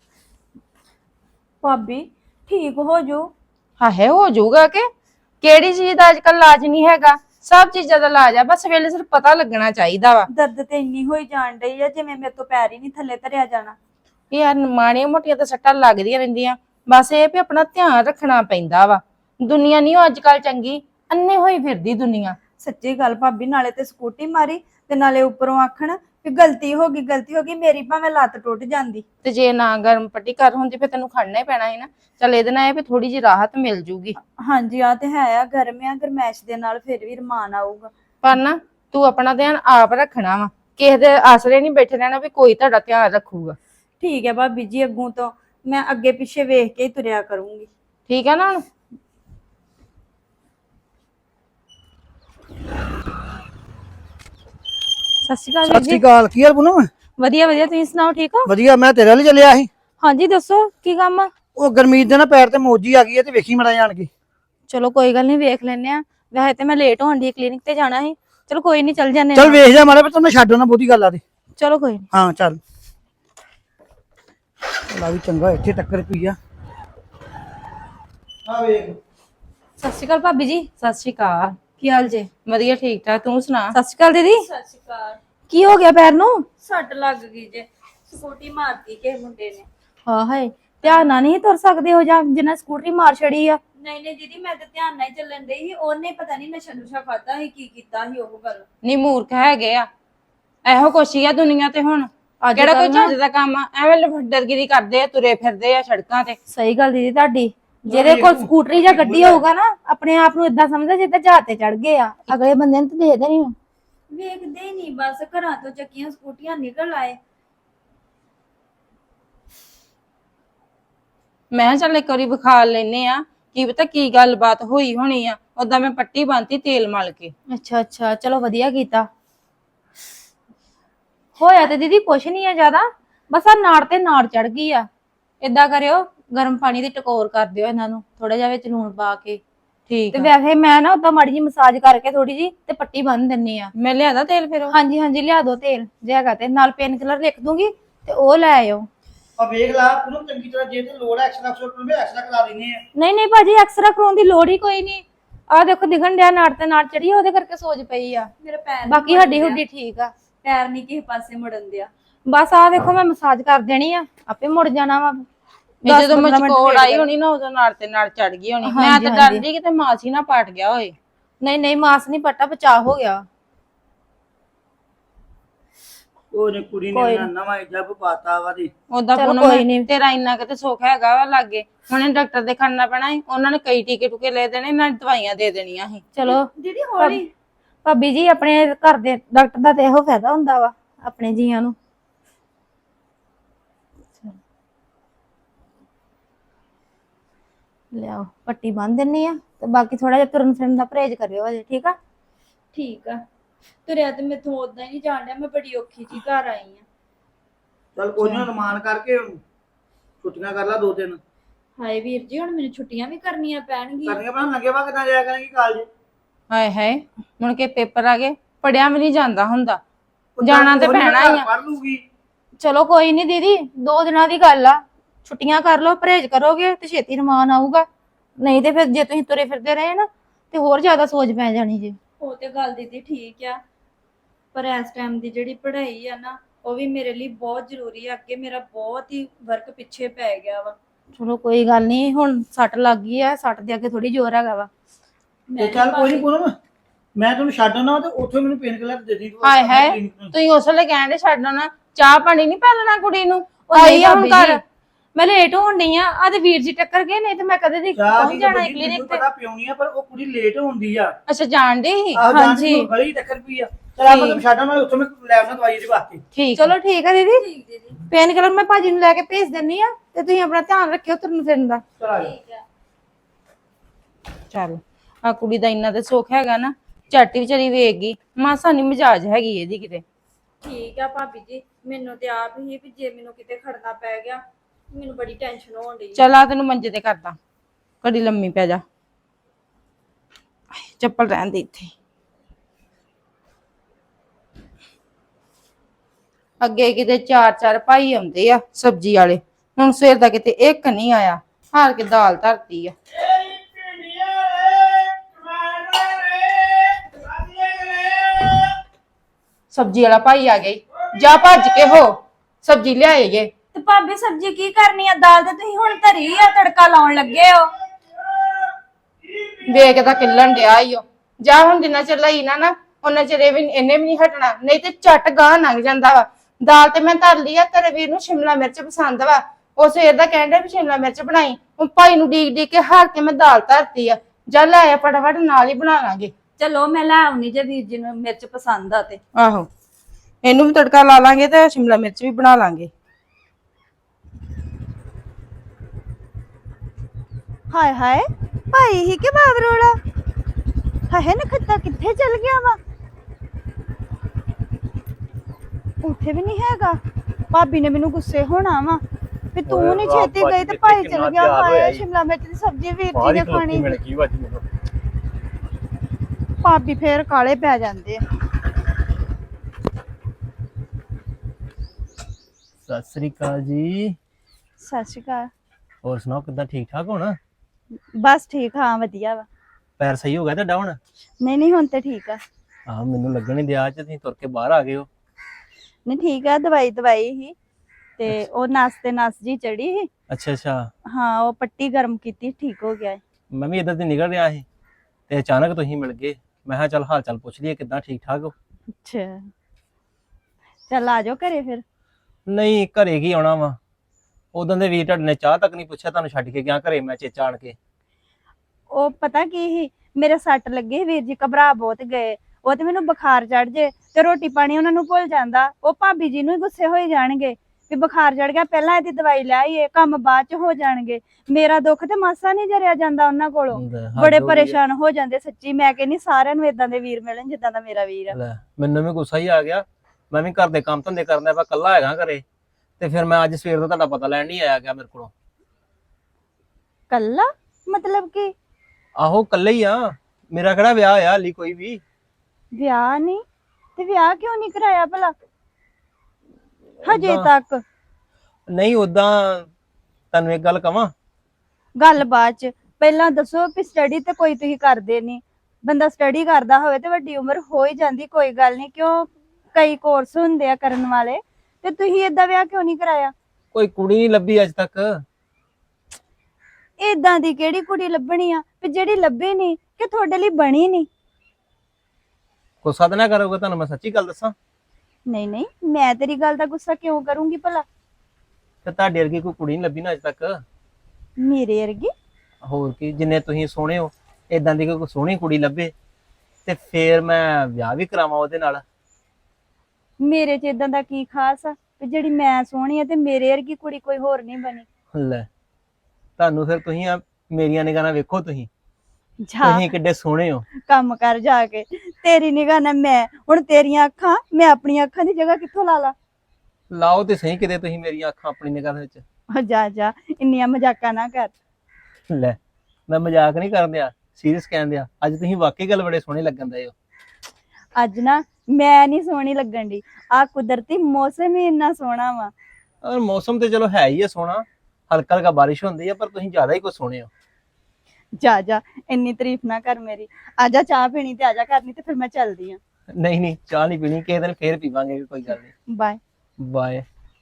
C: ਭਾਬੀ ਠੀਕ ਹੋ ਜੂ।
D: ਹਾਏ ਹੋ ਜਾਊਗਾ ਕਿ ਕਿਹੜੀ ਚੀਜ਼ ਦਾ ਅੱਜ ਕੱਲ ਇਲਾਜ ਨਹੀਂ ਹੈਗਾ, ਸਭ ਚੀਜ਼ਾਂ ਦਾ ਇਲਾਜ ਆ, ਬਸ ਵੇਲੇ ਸਿਰ ਪਤਾ ਲੱਗਣਾ ਚਾਹੀਦਾ ਵਾ।
C: ਦਰਦ ਤੇ ਇੰਨੀ ਹੋਈ ਜਾਣ ਡਈ ਆ ਜਿਵੇਂ ਮੇਰੇ ਤੋਂ ਪੈਰ ਹੀ ਨਹੀਂ ਥੱਲੇ ਧਰਿਆ ਜਾਣਾ।
D: ਯਾਰ ਮਾੜੀਆਂ ਮੋਟੀਆਂ ਤਾਂ ਸੱਟਾਂ ਲੱਗਦੀਆਂ ਰਹਿੰਦੀਆਂ, ਬਸ ਇਹ ਵੀ ਆਪਣਾ ਧਿਆਨ ਰੱਖਣਾ ਪੈਂਦਾ ਵਾ। ਦੁਨੀਆ ਨਹੀਂ ਅੱਜ ਕੱਲ ਚੰਗੀ, ਅੰਨੇ ਹੋਈ ਫਿਰਦੀ ਦੁਨੀਆ।
C: ਸੱਚੀ ਗੱਲ ਭਾਬੀ, ਨਾਲੇ ਤੇ ਸਕੂਟੀ ਮਾਰੀ ਤੇ ਨਾਲੇ ਉੱਪਰੋਂ ਆਖਣ ਵੀ ਗਲਤੀ ਹੋ ਗਈ ਮੇਰੀ, ਭਾਵੇਂ ਲੱਤ ਟੁੱਟ ਜਾਂਦੀ।
D: ਤੇ ਜੇ ਨਾ ਗਰਮ ਪੱਟੀ ਕਰ ਹੁੰਦੀ ਫਿਰ ਤੈਨੂੰ ਖੜਨਾ ਹੀ ਪੈਣਾ ਸੀ ਨਾ। ਚੱਲ ਇਹਦੇ ਨਾਲ ਇਹ ਵੀ ਥੋੜੀ ਜਿਹੀ ਰਾਹਤ ਮਿਲ ਜੂਗੀ।
C: ਹਾਂਜੀ ਆ ਤੇ ਹੈ ਆ, ਗਰਮ ਆ, ਗਰਮੈਸ਼ ਦੇ ਨਾਲ ਫਿਰ ਵੀ ਰਮਾਨ ਆਊਗਾ।
D: ਪਰ ਨਾ ਤੂੰ ਆਪਣਾ ਧਿਆਨ ਆਪ ਰੱਖਣਾ ਵਾ, ਕਿਸੇ ਦੇ ਆਸਰੇ ਨਹੀਂ ਬੈਠੇ ਰਹਿਣਾ ਵੀ ਕੋਈ ਤੁਹਾਡਾ ਧਿਆਨ ਰੱਖੂਗਾ।
C: ਠੀਕ ਹੈ ਭਾਬੀ ਜੀ, ਅੱਗੋਂ ਤੋਂ ਮੈਂ ਅੱਗੇ ਪਿੱਛੇ ਵੇਖ ਕੇ ਹੀ ਤੁਰਿਆ ਕਰੂੰਗੀ।
D: ਠੀਕ ਹੈ ਨਾ? ਹੁਣ
C: ਸਤਿ ਸ਼੍ਰੀ ਅਕਾਲ
B: ਸਤਿ ਸ਼੍ਰੀ ਅਕਾਲ। ਕੀ ਹਾਲ ਪੁਨਮ?
C: ਵਧੀਆ ਵਧੀਆ, ਤੁਸੀਂ ਸੁਣਾਓ ਠੀਕ ਹੋ?
B: ਵਧੀਆ। ਮੈਂ ਤੇਰੇ ਲਈ ਚੱਲਿਆ ਸੀ।
C: ਹਾਂਜੀ ਦੱਸੋ ਕੀ ਕੰਮ ਆ?
B: ਉਹ ਗਰਮੀਤ ਦੇ ਨਾ ਪੈਰ ਤੇ ਮੋਜੀ ਆ ਗਈ ਹੈ, ਤੇ ਵੇਖੀ ਮੜਾ ਜਾਣ ਕੇ।
C: ਚਲੋ ਕੋਈ ਗੱਲ ਨਹੀਂ, ਵੇਖ ਲੈਨੇ ਆ। ਵੈਸੇ ਤੇ ਮੈਂ ਲੇਟ ਹੋਣ ਦੀ ਕਲੀਨਿਕ ਤੇ ਜਾਣਾ ਸੀ। ਚਲੋ ਕੋਈ ਨਹੀਂ, ਚੱਲ ਜਾਂਦੇ
B: ਚੱਲ ਵੇਖ ਜਾ ਮਾੜਾ, ਪਰ ਤੈਨੂੰ ਛੱਡੋ ਨਾ ਬਹੁਤੀ ਗੱਲ ਆ ਤੇ।
C: ਚਲੋ ਕੋਈ ਨਹੀਂ।
B: ਹਾਂ ਚੱਲ। ਲਾ ਵੀ ਚੰਗਾ ਇੱਥੇ ਟੱਕਰ ਪਈ ਆ ਵੇਖ
D: ਸਤਿ ਸ਼੍ਰੀ ਅਕਾਲ ਭਾਬੀ ਜੀ। ਸਤਿ ਸ਼੍ਰੀ ਅਕਾਲ। ਕੀ ਹਾਲ ਜੇ? ਵਧੀਆ ਠੀਕ ਠਾਕ। ਤੂੰ ਸੁਣਾ? ਸਤਿ ਸ਼੍ਰੀ ਅਕਾਲ ਦੀਦੀ।
C: ਸਤਿ ਸ਼੍ਰੀ ਅਕਾਲ।
D: ਕੀ ਹੋ ਗਿਆ ਪੈਰ ਨੂੰ?
C: ਸੱਟ ਲੱਗ ਗਈ ਜੇ, ਸਕੂਟੀ ਮਾਰਤੀ ਕਿਸੇ ਮੁੰਡੇ ਨੇ।
D: ਹਾਂ ਹਾਏ, ਧਿਆਨ ਨਾਲ ਨਹੀਂ ਤੁਰ ਸਕਦੇ ਹੋ ਜਾਂ ਜਿੰਨਾ ਸਕੂਟਰੀ ਮਾਰ ਛੜੀ ਆ।
C: ਨਹੀਂ ਨਹੀਂ ਦੀਦੀ, ਮੈਂ ਤਾਂ ਧਿਆਨ ਨਾਲ ਹੀ ਚੱਲਣ ਡਈ ਸੀ। ਉਹਨੇ ਪਤਾ ਨਹੀਂ ਨਸ਼ਾ ਨੁਸ਼ਾ ਖਾਦਾ ਸੀ, ਕੀ ਕੀਤਾ ਸੀ ਉਹ ਗੱਲ।
D: ਨਹੀਂ ਮੂਰਖ ਹੈਗੇ ਆ, ਇਹੋ ਕੁਛ ਹੀ ਆ ਦੁਨੀਆ ਤੇ ਹੁਣ। ਕਿਹੜਾ ਕੋਈ ਚੱਜ ਦਾ ਕੰਮ ਆ? ਐਵੇਂ ਲਫਡਰਗਿਰੀ ਕਰਦੇ ਆ, ਤੁਰੇ ਫਿਰਦੇ ਆ ਸੜਕਾਂ ਤੇ।
E: ਸਹੀ ਗੱਲ ਦੀਦੀ ਤੁਹਾਡੀ। ਜਿਹਦੇ ਕੋਲ ਸਕੂਟਰੀ ਜਾਂ ਗੱਡੀ ਹੋਊਗਾ ਨਾ, ਆਪਣੇ ਆਪ ਨੂੰ ਇਦਾਂ ਸਮਝਦਾ ਜਿੱਦਾਂ ਜਹਾਜ਼ ਤੇ ਚੜ ਗਏ ਆ। ਅਗਲੇ ਬੰਦੇ ਨੂੰ ਤਾਂ ਦੇਖਦੇ ਨਹੀਂ।
C: ਵੇਖਦੇ ਹੀ ਨਹੀਂ, ਬਸ ਘਰਾਂ ਤੋਂ ਚੱਕੀਆਂ ਸਕੂਟੀਆਂ ਨਿਕਲ ਆਏ।
D: ਮੈਂ ਕਿਹਾ ਚੱਲ ਇੱਕ ਵਾਰੀ ਵਿਖਾ ਲੈਨੇ ਆ, ਕੀ ਪਤਾ ਕੀ ਗੱਲਬਾਤ ਹੋਈ ਹੋਣੀ ਆ। ਓਦਾਂ ਮੈਂ ਪੱਟੀ ਬੰਨਤੀ ਤੇਲ ਮਲ ਕੇ।
E: ਅੱਛਾ ਅੱਛਾ, ਚਲੋ ਵਧੀਆ ਕੀਤਾ। ਹੋਇਆ ਤੇ ਦੀਦੀ ਕੁਛ ਨਹੀਂ ਆ ਜ਼ਿਆਦਾ, ਬਸ ਆ ਨਾੜ ਤੇ ਨਾੜ ਚੜ ਗਈ ਆ। ਏਦਾਂ ਕਰਿਓ, ਗਰਮ ਪਾਣੀ ਦੀ ਟਕੋਰ ਕਰ ਦਿਓ ਇਹਨਾਂ ਨੂੰ, ਥੋੜਾ ਜਿਹਾ ਵਿੱਚ ਲੂਣ ਪਾ ਕੇ।
D: ਠੀਕ
E: ਤੇ
D: ਆ।
E: ਵੈਸੇ ਮੈਂ ਨਾ ਉਦਾਂ ਮਾੜੀ ਜੀ ਮਸਾਜ ਕਰਕੇ ਥੋੜੀ ਜੀ ਤੇ ਪੱਟੀ ਬੰਨ ਦਿੰਨੀ ਆ।
D: ਮੈਂ ਲਿਆਦਾ ਤੇਲ ਫਿਰ?
E: ਹਾਂਜੀ ਹਾਂਜੀ, ਲਿਆ ਦੋ ਤੇਲ ਜੈਗਾ ਤੇ ਨਾਲ ਪੇਨ ਕਿਲਰ ਲਿਖ ਦੂੰਗੀ ਤੇ ਉਹ ਲੈ ਆਇਓ।
B: ਆ ਵੇਖ ਲਾ ਪੂਰਨ ਚੰਗੀ ਤਰ੍ਹਾਂ, ਜੇ ਤੇ ਲੋੜ ਹੈ ਐਕਸਟਰਾ ਕਰਾ ਦਿੰਨੇ ਆ।
E: ਨਹੀਂ ਨਹੀਂ ਭਾਜੀ, ਐਕਸਰਾ ਕਰਾਉਣ ਦੀ ਲੋੜ ਹੀ ਕੋਈ ਨਹੀਂ। ਆ ਦੇਖੋ ਦਿਖਣ ਡਿਆ ਨਾੜ ਤੇ ਨਾੜ ਚੜੀ, ਉਹਦੇ ਕਰਕੇ ਸੋਜ ਪਈ ਆ।
C: ਮੇਰਾ ਪੈਰ
E: ਬਾਕੀ ਹੱਡੀ ਹੁੱਡੀ ਠੀਕ ਆ।
C: ਪੈਰ ਨਹੀਂ ਕਿਸੇ ਪਾਸੇ ਮੁੜਨ ਦਿਆ।
E: ਬਸ ਆ ਦੇਖੋ ਮੈਂ ਮਸਾਜ ਕਰ ਦੇਣੀ ਆ, ਆਪੇ ਮੁੜ ਜਾਣਾ ਵਾ।
D: ਜਦੋਂ ਮੈਂ ਚਕੋੜ ਆਈ ਹੋਣੀ ਨਾ, ਉਦੋਂ ਨਾਲ ਤੇ ਨਾਲ ਚੜ ਗਈ ਹੋਣੀ। ਮੈਂ ਤਾਂ ਡਰਦੀ ਕਿਤੇ ਮਾਸ ਹੀ ਨਾ ਪਾਟ ਗਿਆ ਹੋਏ।
E: ਨਹੀਂ ਨਹੀਂ, ਮਾਸ ਨਹੀਂ ਪੱਟਾ, ਬਚਾਅ ਹੋ ਗਿਆ।
B: ਉਹਨੇ ਕੁੜੀ ਨੇ ਨਵਾਂ ਜੱਬ ਪਾਤਾ ਵਾ ਦੀ।
D: ਓਦਾਂ ਤੇਰਾ ਇੰਨਾ ਕਿਤੇ ਸੁੱਖ ਹੈਗਾ ਵਾ ਲਾਗੇ। ਹੁਣ ਡਾਕਟਰ ਦੇ ਖੜਨਾ ਪੈਣਾ ਸੀ, ਉਹਨਾਂ ਨੇ ਕਈ ਟੀਕੇ ਟੁਕੇ ਲੈ ਦੇਣੇ, ਨਾਲ ਦਵਾਈਆਂ ਦੇ ਦੇਣੀਆਂ ਸੀ।
E: ਚਲੋ
C: ਦੀਦੀ ਹੌਲੀ।
E: ਭਾਬੀ ਜੀ, ਆਪਣੇ ਘਰ ਦੇ ਡਾਕਟਰ ਦਾ ਤੇ ਇਹੋ ਫਾਇਦਾ ਹੁੰਦਾ ਵਾ ਆਪਣੇ ਜੀਆਂ ਨੂੰ। ਲਿਆਓ ਪੱਟੀ ਬੰਨ ਦਿੰਨੀ ਆ, ਤੇ ਬਾਕੀ ਥੋੜਾ ਜਿਹਾ ਤੁਰਨ ਫਿਰਨ ਦਾ ਪਰਹੇਜ਼ ਕਰਿਓ ਅਜੇ। ਠੀਕ ਆ?
C: ਠੀਕ ਆ। ਤੁਰਿਆ ਤੇ ਮੈਥੋਂ ਉਦਾਂ ਹੀ ਨਹੀਂ ਜਾਣ ਡਿਆ, ਮੈਂ ਬੜੀ ਔਖੀ ਜੀ ਘਰ ਆਈ ਆ।
B: ਚੱਲ ਕੋਈ ਨਾ, ਰਮਾਨ ਕਰਕੇ ਛੁੱਟੀਆਂ ਕਰ ਲਾ 2-3।
C: ਹਾਏ ਵੀਰ ਜੀ, ਹੁਣ ਮੈਨੂੰ ਛੁੱਟੀਆਂ ਵੀ ਕਰਨੀਆਂ ਪੈਣਗੀਆਂ।
B: ਕਰਨੀਆਂ ਪੈਣ ਲੱਗੇ ਵਾ, ਕਿਦਾਂ ਜਾਇਆ ਕਰਾਂਗੀ ਕਾਲਜ?
D: ਹਾਏ ਹਾਏ, ਮੁੜ ਕੇ ਪੇਪਰ ਆ ਗਏ, ਪੜਿਆ ਵੀ ਨਹੀਂ ਜਾਂਦਾ ਹੁੰਦਾ। ਜਾਣਾ ਤੇ ਪੈਣਾ ਹੀ ਆ।
B: ਪੜ ਲੂਗੀ।
E: ਚਲੋ ਕੋਈ ਨਹੀਂ ਦੀਦੀ, 2 ਦਿਨਾਂ ਦੀ ਗੱਲ ਆ। ਛੁੱਟੀਆਂ ਕਰ ਲਓ, ਪਰਹੇਜ਼ ਕਰੋਗੇ ਤੇ ਛੇਤੀ ਰਮਾਨ ਆਊਗਾ। ਨਹੀਂ ਤੇ ਫਿਰ ਜੇ ਤੁਸੀਂ ਤੁਰੇ ਫਿਰਦੇ ਰਹੇ ਨਾ ਤੇ ਹੋਰ ਜ਼ਿਆਦਾ ਸੋਚ ਪੈ ਜਾਣੀ ਜੀ।
C: ਉਹ ਤੇ ਗੱਲ ਦੀਦੀ ਠੀਕ ਆ, ਪਰ ਇਸ ਟਾਈਮ ਦੀ ਜਿਹੜੀ ਪੜ੍ਹਾਈ ਆ ਨਾ, ਉਹ ਵੀ ਮੇਰੇ ਲਈ ਬਹੁਤ ਜ਼ਰੂਰੀ ਆ। ਅੱਗੇ ਮੇਰਾ ਬਹੁਤ ਹੀ ਵਰਕ ਪਿੱਛੇ ਪੈ ਗਿਆ ਵਾ।
E: ਚਲੋ ਕੋਈ ਗੱਲ ਨਹੀਂ, ਹੁਣ ਸੱਟ ਲੱਗ ਗਈ ਆ, ਸੱਟ ਦੇ ਅੱਗੇ ਥੋੜੀ ਜ਼ੋਰ ਹੈਗਾ ਵਾ।
B: ਤੇ ਚੱਲ ਕੋਈ ਨਹੀਂ ਪੂਨਮ, ਮੈਂ ਤੈਨੂੰ ਛੱਡਣਾ ਤੇ ਉੱਥੇ ਮੈਨੂੰ ਪੇਨ ਕਿਲਰ ਦੇ ਦੀ।
D: ਹਾਏ ਹਾਏ, ਤੁਸੀਂ ਉਸ ਵੇਲੇ ਕਹਿੰਦੇ ਛੱਡਣਾ ਨਾ, ਚਾਹ ਪਾਣੀ ਨਹੀਂ ਪੈਲਣਾ ਕੁੜੀ ਨੂੰ। ਆਈ ਆ ਹੁਣ ਘਰ।
E: ਮੈਂ ਲੇਟ ਹੋਣ ਡਈ ਆ, ਆਦੇ ਵੀਰ ਜੀ ਟੱਕਰ ਗਏ, ਨਹੀਂ ਤੇ ਮੈਂ ਕਦੇ ਦੀ ਪਹੁੰਚ ਜਾਣਾ ਕਲੀਨਿਕ ਤੇ।
B: ਪਤਾ ਪਿਉਣੀ ਆ, ਪਰ ਉਹ ਕੁੜੀ ਲੇਟ ਹੁੰਦੀ ਆ।
D: ਅੱਛਾ, ਜਾਣਦੇ ਹੀ?
B: ਹਾਂਜੀ, ਗਲੀ ਟੱਕਰ ਪਈ ਆ। ਚਲ ਆਪਾਂ ਤੈਨੂੰ ਛੱਡਾਂ, ਮੈਂ ਉੱਥੋਂ ਮੈਂ ਲੈ ਆਉਣਾ ਦਵਾਈ ਦੇ ਵਾਸਤੇ।
D: ਠੀਕ।
E: ਚਲੋ ਠੀਕ ਆ ਦੀਦੀ।
C: ਠੀਕ ਦੀਦੀ।
E: ਪੇਨ ਕਿਲਰ ਮੈਂ ਭਾਜੀ ਨੂੰ ਲੈ ਕੇ ਭੇਜ ਦਿੰਨੀ ਆ, ਤੇ ਤੁਸੀਂ ਆਪਣਾ ਧਿਆਨ ਰੱਖਿਓ ਤੁਰਨ ਫਿਰਨ ਦਾ।
B: ਚਲ ਆ ਜਾ।
C: ਠੀਕ ਆ।
D: ਚੱਲ, ਆ ਕੁੜੀ ਦਾ ਇੰਨਾ ਤੇ ਸੁੱਖ ਹੈਗਾ ਨਾ, ਝੱਟ ਵਿਚਾਰੀ ਵੇਖ ਗਈ। ਮਾਸਾ ਨੀ ਮਜਾਜ ਹੈਗੀ ਇਹਦੀ ਕਿਤੇ।
C: ਠੀਕ ਆ ਭਾਬੀ ਜੀ, ਮੈਨੂੰ ਤੇ ਆਪ ਹੀ ਵੀ ਜੇ ਮੈਨੂੰ ਕਿਤੇ ਖੜਨਾ ਪੈ ਗਿਆ, ਮੈਨੂੰ ਬੜੀ ਟੈਨਸ਼ਨ ਹੋਣ ਡਈ।
D: ਚੱਲ ਆ ਤੈਨੂੰ ਮੰਜੇ ਤੇ ਕਰਦਾ, ਘੜੀ ਲੰਮੀ ਪੈ ਜਾ। ਚੱਪਲ ਰਹਿਣ ਦੇ ਇੱਥੇ। ਅੱਗੇ ਕਿਤੇ 4-4 ਭਾਈ ਆਉਂਦੇ ਆ ਸਬਜ਼ੀ ਵਾਲੇ, ਹੁਣ ਸਵੇਰ ਦਾ ਕਿਤੇ ਇੱਕ ਨਹੀਂ ਆਇਆ। ਹਾਰ ਕੇ ਦਾਲ ਧਰਤੀ ਆ। ਸਬਜ਼ੀ ਵਾਲਾ ਭਾਈ ਆ ਗਈ, ਜਾ ਭੱਜ ਕੇ ਹੋ ਸਬਜ਼ੀ ਲਿਆਏਗੇ।
C: ਤੇ ਭਾਬੀ ਸਬਜ਼ੀ ਕੀ ਕਰਨੀ ਆ? ਦਾਲ ਤੇ ਤੁਸੀਂ ਹੁਣ ਧਰੀ ਆ, ਤੜਕਾ ਲਾਉਣ ਲੱਗੇ ਹੋ।
D: ਵੇਖ ਤਾਂ ਕਿੱਲਣ ਡਿਆ ਈ ਓ। ਜਾ ਹੁਣ ਜਿੰਨਾ ਚਿਰ ਲਈ ਨਾ ਉਹਨਾਂ ਚਿਰ ਇਹਨੇ ਵੀ ਨਹੀਂ ਹਟਣਾ, ਨਹੀਂ ਤੇ ਝੱਟ ਗਾਂ ਲੰਘ ਜਾਂਦਾ ਵਾ। ਦਾਲ ਤੇ ਮੈਂ ਧਰ ਲਈ ਆ, ਤੇਰੇ ਵੀਰ ਨੂੰ ਸ਼ਿਮਲਾ ਮਿਰਚ ਪਸੰਦ ਵਾ, ਉਹ ਸਵੇਰ ਦਾ ਕਹਿਣ ਡਿਆ ਵੀ ਸ਼ਿਮਲਾ ਮਿਰਚ ਬਣਾਈ। ਹੁਣ ਭਾਈ ਨੂੰ ਡੀਕ ਕੇ ਹਾਰ ਕੇ ਮੈਂ ਦਾਲ ਧਰਤੀ ਆ। ਜਾ ਲੈ ਆ ਫਟਾਫਟ, ਨਾਲ ਹੀ ਬਣਾ ਲਾਂਗੇ।
C: ਚਲੋ ਮੈਂ ਲੈ ਆਉਣੀ ਜੇ ਵੀਰ ਜੀ ਨੂੰ ਮਿਰਚ ਪਸੰਦ ਆ ਤੇ।
D: ਆਹੋ, ਇਹਨੂੰ ਵੀ ਤੜਕਾ ਲਾ ਲਾਂਗੇ ਤੇ ਸ਼ਿਮਲਾ ਮਿਰਚ ਵੀ ਬਣਾ ਲਾਂਗੇ।
E: ਹਾਏ ਹਾਏ, ਭਾਈ ਹੀ ਕਿ ਬਾਬਰੋੜਾ ਹਾਏ ਨਖੱਤਾ ਕਿੱਥੇ ਚਲ ਗਿਆ ਵਾ? ਉੱਥੇ ਵੀ ਨਹੀਂ ਹੈਗਾ। ਭਾਬੀ ਨੇ ਮੈਨੂੰ ਗੁੱਸੇ ਹੋਣਾ ਵਾ ਵੀ ਤੂੰ ਨਹੀਂ ਛੇਤੀ ਗਈ ਤੇ ਭਾਈ ਚਲ ਗਿਆ। ਹਾਏ, ਸ਼ਿਮਲਾ ਮਿਰਚ ਦੀ ਸਬਜ਼ੀ ਵੀਰ ਜੀ ਨੇ ਖਾਣੀ। ਭਾਬੀ ਫੇਰ ਕਾਲੇ ਪੈ ਜਾਂਦੇ ਆ।
A: ਸਤਿ ਸ੍ਰੀ ਅਕਾਲ ਜੀ।
C: ਸਤਿ ਸ਼੍ਰੀ ਅਕਾਲ।
A: ਹੋਰ ਸੁਣਾਓ ਕਿੱਦਾਂ, ਠੀਕ ਠਾਕ ਹੋਣਾ?
C: ਬਸ ਠੀਕ, ਹਾਂ ਵਧੀਆ ਵਾ।
A: ਪੈਰ ਸਹੀ ਹੋ ਗਿਆ ਤੁਹਾਡਾ ਹੁਣ?
C: ਨਹੀਂ ਨਹੀਂ, ਹੁਣ ਤੇ ਠੀਕ ਆ।
A: ਆਹ ਮੈਨੂੰ ਲੱਗਣ ਨਹੀਂ ਦਿਆ ਅੱਜ ਤੁਸੀਂ ਤੁਰ ਕੇ ਬਾਹਰ ਆ ਗਏ ਹੋ।
C: ਨਹੀਂ ਠੀਕ ਆ, ਦਵਾਈ ਹੀ ਤੇ ਉਹ ਨਸ ਤੇ ਨਸ ਜੀ ਚੜੀ ਸੀ।
A: ਅੱਛਾ ਅੱਛਾ।
C: ਹਾਂ, ਉਹ ਪੱਟੀ ਗਰਮ ਕੀਤੀ, ਠੀਕ ਹੋ ਗਿਆ ਹੈ।
A: ਮੈਂ ਵੀ ਇੱਧਰ ਦੀ ਨਿਕਲ ਰਿਹਾ ਸੀ ਤੇ ਅਚਾਨਕ ਤੁਸੀਂ ਮਿਲ ਗਏ। ਮੈਂ ਕਿਹਾ ਚੱਲ ਹਾਲ ਚਾਲ ਪੁੱਛ ਲਈਏ ਕਿੱਦਾਂ, ਠੀਕ ਠਾਕ ਹੋ?
C: ਅੱਛਾ, ਚੱਲ ਆ ਜਾਓ ਘਰੇ ਫਿਰ।
A: ਨਹੀਂ ਘਰੇ ਕੀ ਆਉਣਾ ਵਾ, ਉਦੋਂ ਦੇ ਵੀਰ ਤੁਹਾਡੇ ਨੇ ਚਾਹ ਤੱਕ ਨਹੀਂ ਪੁੱਛਿਆ, ਤੁਹਾਨੂੰ ਛੱਡ ਕੇ ਗਿਆ ਘਰੇ ਮੈਂ ਚੇਚਾ ਆਣ ਕੇ।
C: ਉਹ ਪਤਾ ਕੀ ਸੀ, ਮੇਰੇ ਸੱਟ ਲੱਗੇ ਸੀ, ਵੀਰ ਜੀ ਘਬਰਾ ਬਹੁਤ ਗਏ। ਉਹ ਤੇ ਮੈਨੂੰ ਬੁਖਾਰ ਚੜ ਜੇ ਤੇ ਰੋਟੀ ਪਾਣੀ ਉਹਨਾਂ ਨੂੰ ਭੁੱਲ ਜਾਂਦਾ। ਉਹ ਭਾਬੀ ਜੀ ਨੂੰ ਹੀ ਗੁੱਸੇ ਹੋਈ ਜਾਣਗੇ ਵੀ ਬੁਖਾਰ ਚੜ ਗਿਆ, ਪਹਿਲਾਂ ਇਹਦੀ ਦਵਾਈ ਲੈ ਆਈਏ, ਕੰਮ ਬਾਅਦ ਚ ਹੋ ਜਾਣਗੇ। ਮੇਰਾ ਦੁੱਖ ਤੇ ਮਾਸਾ ਨਹੀਂ ਜਰਿਆ ਜਾਂਦਾ ਉਹਨਾਂ ਕੋਲੋਂ। ਬੜੇ ਪਰੇਸ਼ਾਨ ਹੋ ਜਾਂਦੇ ਸੱਚੀ। ਮੈਂ ਕਹਿੰਨੀ ਸਾਰਿਆਂ ਨੂੰ ਇਦਾਂ ਦੇ ਵੀਰ ਮਿਲਣ ਜਿੱਦਾਂ ਦਾ ਮੇਰਾ ਵੀਰ ਆ।
A: ਮੈਨੂੰ ਵੀ ਗੁੱਸਾ ਹੀ ਆ ਗਿਆ। ਮੈਂ ਵੀ ਘਰ ਦੇ ਕੰਮ ਧੰਦੇ ਕਰਨੇ, ਆਪਾਂ ਇਕੱਲਾ ਹੈਗਾ ਘਰੇ, ਤੇ ਫਿਰ ਮੈਂ ਅੱਜ ਸਵੇਰ ਦਾ ਤੁਹਾਡਾ ਪਤਾ ਲੈਣ ਨਹੀਂ ਆਇਆ ਗਿਆ ਮੇਰੇ ਕੋਲੋਂ।
C: ਕੱਲਾ ਮਤਲਬ ਕਿ?
A: ਆਹੋ ਇਕੱਲੇ ਹੀ ਆ, ਮੇਰਾ ਕਿਹੜਾ ਵਿਆਹ ਹੋਇਆ ਹਾਲੀ ਕੋਈ ਵੀ।
C: ਵਿਆਹ ਨਹੀਂ? ਤੇ ਵਿਆਹ ਕਿਉਂ ਨਹੀਂ ਕਰਾਇਆ ਭਲਾ ਹਜੇ
A: ਓਦਾਂ-
C: ਤੱਕ?
A: ਨਹੀਂ ਉਦਾਂ ਤੁਹਾਨੂੰ ਇੱਕ ਗੱਲ ਕਵਾਂ।
C: ਗੱਲ ਬਾਅਦ ਚ, ਪਹਿਲਾਂ ਦੱਸੋ ਵੀ ਸਟੱਡੀ ਤੇ ਕੋਈ ਤੁਸੀਂ ਕਰਦੇ ਨਹੀਂ। ਬੰਦਾ ਸਟੱਡੀ ਕਰਦਾ ਹੋਵੇ ਤੇ ਵੱਡੀ ਉਮਰ ਹੋ ਹੀ ਜਾਂਦੀ, ਕੋਈ ਗੱਲ ਨਹੀਂ। ਕਿਉਂ, ਕਈ ਕੋਰਸ ਹੁੰਦੇ ਆ ਕਰਨ ਵਾਲੇ, ਤੇ ਤੁਸੀਂ ਏਦਾਂ ਵਿਆਹ ਕਿਉਂ ਨਹੀਂ ਕਰਾਇਆ?
A: ਕੋਈ ਕੁੜੀ ਨਹੀਂ ਲੱਭੀ ਅੱਜ ਤੱਕ।
C: ਏਦਾਂ ਦੀ ਕਿਹੜੀ ਕੁੜੀ ਲੱਭਣੀ ਆ ਵੀ ਜਿਹੜੀ ਲੱਭੀ ਨਹੀਂ ਕਿ ਤੁਹਾਡੇ ਲਈ ਬਣੀ ਨਹੀਂ?
A: ਗੁੱਸਾ ਤਾਂ ਨਾ ਕਰੋਗੇ, ਤੁਹਾਨੂੰ ਮੈਂ ਸੱਚੀ ਗੱਲ ਦੱਸਾਂ।
C: ਨਹੀਂ ਨਹੀਂ, ਮੈਂ ਤੇਰੀ ਗੱਲ ਦਾ ਗੁੱਸਾ ਕਿਉਂ ਕਰੂੰਗੀ ਭਲਾ?
A: ਤੇ ਤੁਹਾਡੇ ਵਰਗੀ ਕੋਈ ਕੁੜੀ ਨਹੀਂ ਲੱਭੀ ਨਾ ਅੱਜ ਤੱਕ।
C: ਮੇਰੇ ਵਰਗੀ?
A: ਹੋਰ ਕੀ, ਜਿੰਨੇ ਤੁਸੀਂ ਸੋਹਣੇ ਹੋ ਏਦਾਂ ਦੀ ਕੋਈ ਸੋਹਣੀ ਕੁੜੀ ਲੱਭੇ ਤੇ ਫੇਰ ਮੈਂ ਵਿਆਹ ਵੀ ਕਰਾਵਾਂ ਉਹਦੇ ਨਾਲ।
C: ਮੇਰੇ ਚ ਇਦਾਂ ਦਾ ਕੀ ਖਾਸ ਆ ਵੀ ਜਿਹੜੀ ਮੈਂ ਸੋਹਣੀ ਆ ਤੇ ਮੇਰੇ ਵਰਗੀ ਕੁੜੀ ਕੋਈ ਹੋਰ ਨਹੀਂ ਬਣੀ?
A: ਲੈ ਤੁਹਾਨੂੰ ਫਿਰ ਤੁਸੀਂ ਆ ਮੇਰੀਆਂ ਨਿਗਾਹਾਂ ਵੇਖੋ, ਤੁਸੀਂ
C: ਜਾ
A: ਕਿੱਡੇ ਸੋਹਣੇ ਹੋ।
C: ਕੰਮ ਕਰ ਜਾ ਕੇ। ਤੇਰੀ ਨਿਗਾਹ ਨਾਲ ਮੈਂ ਹੁਣ ਤੇਰੀਆਂ ਅੱਖਾਂ, ਮੈਂ ਆਪਣੀਆਂ ਅੱਖਾਂ ਦੀ ਜਗ੍ਹਾ ਕਿੱਥੋਂ ਲਾ ਲਾ?
A: ਲਾਓ ਤੇ ਸਹੀ ਕਿਤੇ ਤੁਸੀਂ ਮੇਰੀਆਂ ਅੱਖਾਂ ਆਪਣੀ ਨਿਗਾਹ ਦੇ ਵਿੱਚ।
C: ਜਾ ਜਾ, ਇੰਨੀਆਂ ਮਜ਼ਾਕਾਂ ਨਾ ਕਰ।
A: ਲੈ ਮੈਂ ਮਜ਼ਾਕ ਨਹੀਂ ਕਰਨ ਦਿਆ, ਸੀਰੀਅਸ ਕਹਿਣ ਦਿਆ। ਅੱਜ ਤੁਸੀਂ ਵਾਕਈ ਗੱਲ ਬੜੇ ਸੋਹਣੇ ਲੱਗਣ ਦਏ ਹੋ।
C: ਅੱਜ ਨਾ ਮੈਂ ਨਹੀਂ ਸੋਹਣੀ ਲੱਗਣ ਦੀ, ਆ ਕੁਦਰਤੀ ਮੌਸਮ ਹੀ ਇੰਨਾ ਸੋਹਣਾ ਵਾ।
A: ਔਰ ਮੌਸਮ ਤੇ ਚਲੋ ਹੈ ਹੀ ਹੈ ਸੋਹਣਾ, ਹਲਕਾ ਹਲਕਾ ਬਾਰਿਸ਼ ਹੁੰਦੀ ਹੈ, ਪਰ ਤੁਸੀਂ ਜ਼ਿਆਦਾ ਹੀ ਕੁਝ ਸੋਹਣੇ ਹੋ।
C: ਜਾ ਜਾ, ਇੰਨੀ ਤਾਰੀਫ ਨਾ ਕਰ ਮੇਰੀ। ਆਜਾ ਚਾਹ ਪੀਣੀ ਤੇ ਆਜਾ ਕਰਨੀ ਤੇ ਫਿਰ ਮੈਂ ਚੱਲਦੀ ਆ।
A: ਨਹੀਂ ਨਹੀਂ, ਚਾਹ ਨਹੀਂ ਪੀਣੀ, ਕਿਸੇ ਦਿਨ ਫੇਰ ਪੀਵਾਂਗੇ, ਕੋਈ ਗੱਲ ਨਹੀਂ।
C: Bye
A: bye.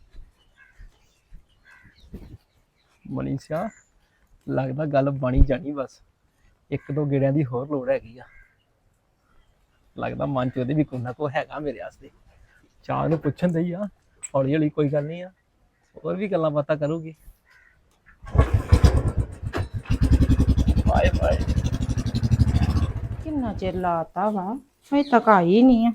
A: ਮਨੀਸ਼ਾ ਲੱਗਦਾ ਗੱਲ ਬਣੀ ਜਾਣੀ, ਬਸ ਇੱਕ ਦੋ ਗੇੜਿਆਂ ਦੀ ਹੋਰ ਲੋੜ ਹੈਗੀ ਆ। ਲੱਗਦਾ ਮਨ ਚ ਉਹਦੇ ਵੀ ਕੋਈ ਨਾ ਕੋਈ ਹੈਗਾ ਮੇਰੇ ਵਾਸਤੇ। ਚਾਹ ਨੂੰ ਪੁੱਛਣ ਦਈ ਆ, ਹੌਲੀ ਹੌਲੀ ਕੋਈ ਗੱਲ ਨਹੀਂ ਆ, ਹੋਰ ਵੀ ਗੱਲਾਂ ਬਾਤਾਂ ਕਰੂਗੀ। Bye bye.
D: ਕਿੰਨਾ ਚਿਰ ਲਾਤਾ ਵਾ, ਹਜੇ ਤੱਕ ਆਈ ਨਹੀਂ ਆ।